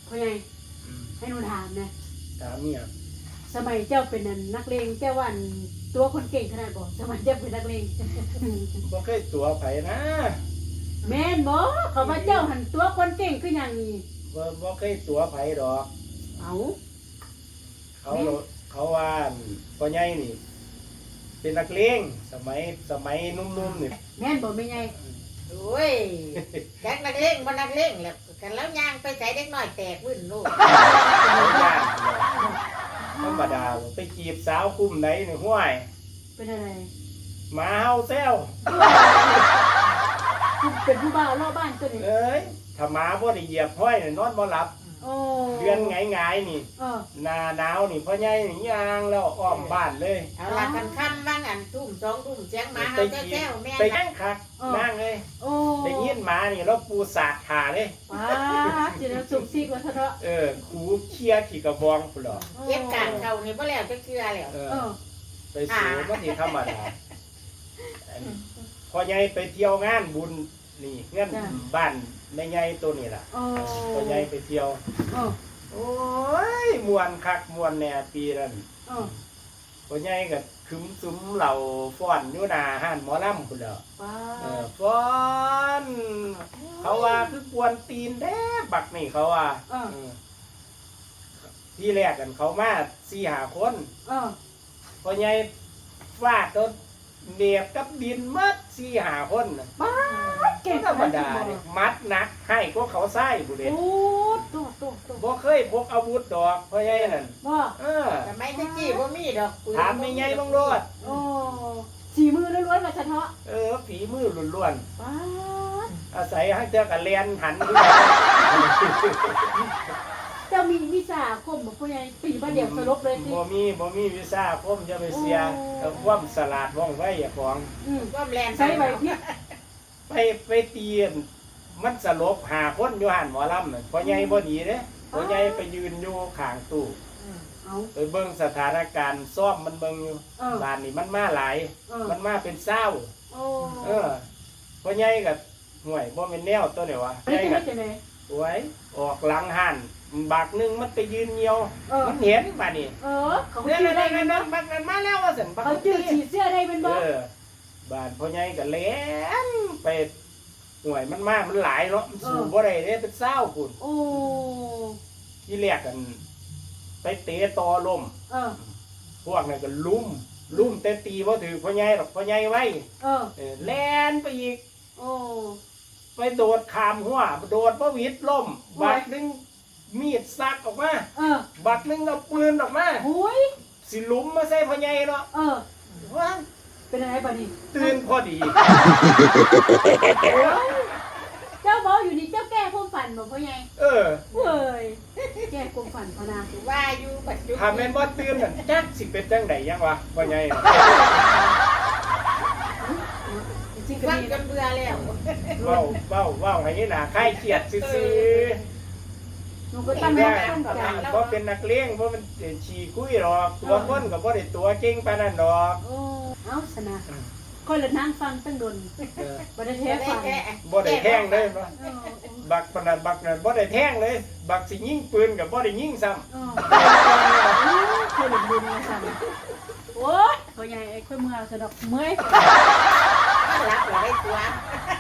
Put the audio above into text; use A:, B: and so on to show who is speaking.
A: พ่อใหญ่ให้หนูถามนะ
B: ถามเนี่ย
A: สมัยเจ้าเป็นนักเลงเจ้าวันตัวคนเก่งขนาดบ่สมัยเจ้าเป็นนักเลง
B: บ่เคยตัวไผนะ
A: แม่นบ่เขาว่าเจ้าหันตัวคนเก่งคืออย่างนี้
B: บ่เคยตัวไผดอก
A: เอา
B: เขาว่าพ่อใหญ่นี่ เป็นนักเลงสมัยนุ่มๆนี่
A: แม่นบ่แม่ใหญ่
C: โอ้ยแจ็คนักเล่งบ่นักเล่งแล้วกันแล้วย่างไปใส่เด็กน้อยแตกวึ่นลูก
B: ธรรมดาไปจีบสาวคุ้มไหนนี่ห้วย
A: เป็นอะไร
B: หมาเฮาแซว
A: คุณเป็นผู้บ่าวรอบบ้านตัวนี้
B: เอ้ยถ้าหมาบ่ได้เหยียบห้อยนี่นอนบ่หลับ
A: โอ้
B: เดือนไงายๆนี่
A: เออ
B: หน้าหนาวนี่พ่อใหญ่นี่ย่างแล้วอ้อมบ้านเลย
C: เอาละกันค่ำบ้างอันทุ่มสองทุ่มเสียงหมา
B: ไป
C: เฮา
B: จี
C: แจ้
B: บ
C: วแม่
B: ไป
C: นะ
B: ย่างคักนั่งเลย
A: โอ้
B: ได้ยินหมานี่แล้วปูสาดขาเลย
A: ว้าจะได้สุกซีกว่าเถอะ
B: ขูเคลียร์ขี่กระบองพุ่นเหรอ
C: เก็บการเขานี่บ่แล้วจะเกลือแล้ว
A: เออ
B: ไปสูมันสิธรรมดาพอใหญ่ไปเที่ยวงานบุญนี่เงื่อนบ้านแม่ใหญ่ตัวนี้ล่ะ
A: โอ้
B: พอใหญ่ไปเที่ยว
A: โอ้
B: โอ้ยมวนคักมวนแหน่ปีนั้น
A: โอ้
B: พอใหญ่ก็คึมซุ้มเหล่าฟ้อนอยู่หน้าห้านหมอลำพุ่นเหรอ
A: ว้า
B: ฟ้อนเขาว่าคือกวนตีนแด้บักนี่เขาว่า
A: เออ
B: ที่แรกกันเขามา4-5 คน
A: เออ
B: พอใหญ่ฟาดต้นเนียบกับดินมัด4-5 คนน่ะ
A: บ้าเก่ง
B: ธรรมดาเนี่ยมัดหนักให้พวกเขาไส้บุเร
A: โอ้ตัว
B: บ่เคยพกอาวุธดอกพ่อใหญ่นั่น
A: ว่า
C: สมัยตะกี้บ่มีดอกปืน
B: ถามไม่ใหญ่บังโลด
A: โอ้สีมือล้วนๆมาเฉพาะ
B: ฝีมือล้วน
A: ว้า
B: ๆอาศัยให้เจ้ากับเรียนหันด้วย
A: เจ้ามีวิชาคมบอกพ่อใหญ่ปีบ้านเดียวสลบเลยสิ
B: บ่มีวีซ่าผมจะไปเสียกับความสลาดว่องไวอย่าของ
C: ความแรง
A: ใช้ใบพริก
B: ไปตีนมันสลบ5 คนอยู่หันหมอลำน่ะพ่อใหญ่บ่ดีเด้พ่อใหญ่ไปยืนอยู่ข้างตู้
A: เอา
B: ไปเบิ่งสถานการณ์ซ่อมมันเบิ่งอยู่ บ้านนี่มันมาหลาย มันมาเป็นเศร้า
A: โอ้
B: พ่อใหญ่กับห่วยบ่เป็นแนวตัวเดียววะ
A: ไม่
B: ใหญ่
A: ใช่
B: กับ
A: จะไหน
B: ไว้ออกหลังหันบักหนึงมันไปยืนเหี่ยว มันเห็นป่ะนี่
A: เขา
B: เนี่ย
A: ชื่อได้
B: นั่
A: เป็น
B: น
A: บ่
B: บักนั้นมาแล้วว่าสันบัก
A: เขาชื่อฉีดเสื้อได้เป็นบ่
B: บ้านพ่อใหญ่กับแหลนไปห่วยมันมามันหลายเนาะมันสู่บ่ได้เด้เป็นเศร้าพุ่น
A: โอ้
B: ที่แรกกัน ไปเตะตอลม พวกนั้นก็ลุ่มแต่ตีบ่ถือพ่อใหญ่หรอกพ่อใหญ่ไว้แล่นไปอีก
A: โอ้
B: ไปโดดขามหัวโดดพระวิทย์ล่มบักหนึงมีดซักออกมาบักหนึงเอาปืนออกมา
A: หุย
B: สิลุมมาใส่พ่อใหญ่เนาะว่า
A: เป็นอะไรบ่นี่
B: ตื่นพอดี
A: เจ้าบอกอยู่นี่เจ้าแก้ความฝันบ่พ่อใหญ่
B: เออ
A: เฮ้ยแก้ความฝันพนา
C: ว่าอยู่ปัจจุบั
B: ถ้าแม่นบ่ตื่นนั่นจักสิเป็นจังไดยังวะพ่อใหญ่น่ะ
A: จริงก็
C: ฟัง
A: ดี
C: จนเบื่อแล้ว
B: เว้าให้หน้าคลายเครียดซื่อ
A: หนูก็
B: ๆ
A: ตั้ง
B: แม่
A: ตั้งใจ
B: บ่เป็นนักเลงบ่เป็นฉี่คุยหรอกตัวคนก็บ่ได้ตัวเก่งปานนั้นดอก
A: โอ้เอาชนะคนละนั่งฟังตั้งดนบ่ได้แท้ฟัง
B: บ่ได้แท่งเลยบักปานนั้นบักนั้นบ่ได้แท่งเลย บักสิยิงปืนก็บ่ได้ยิงซ้ำ
A: เคยหลุดบุญมาสั่นโอ้ยพ่อใหญ่ไอ้ค่อยเมื่อสะดอกเมื่อย
C: รับเราได้ตัว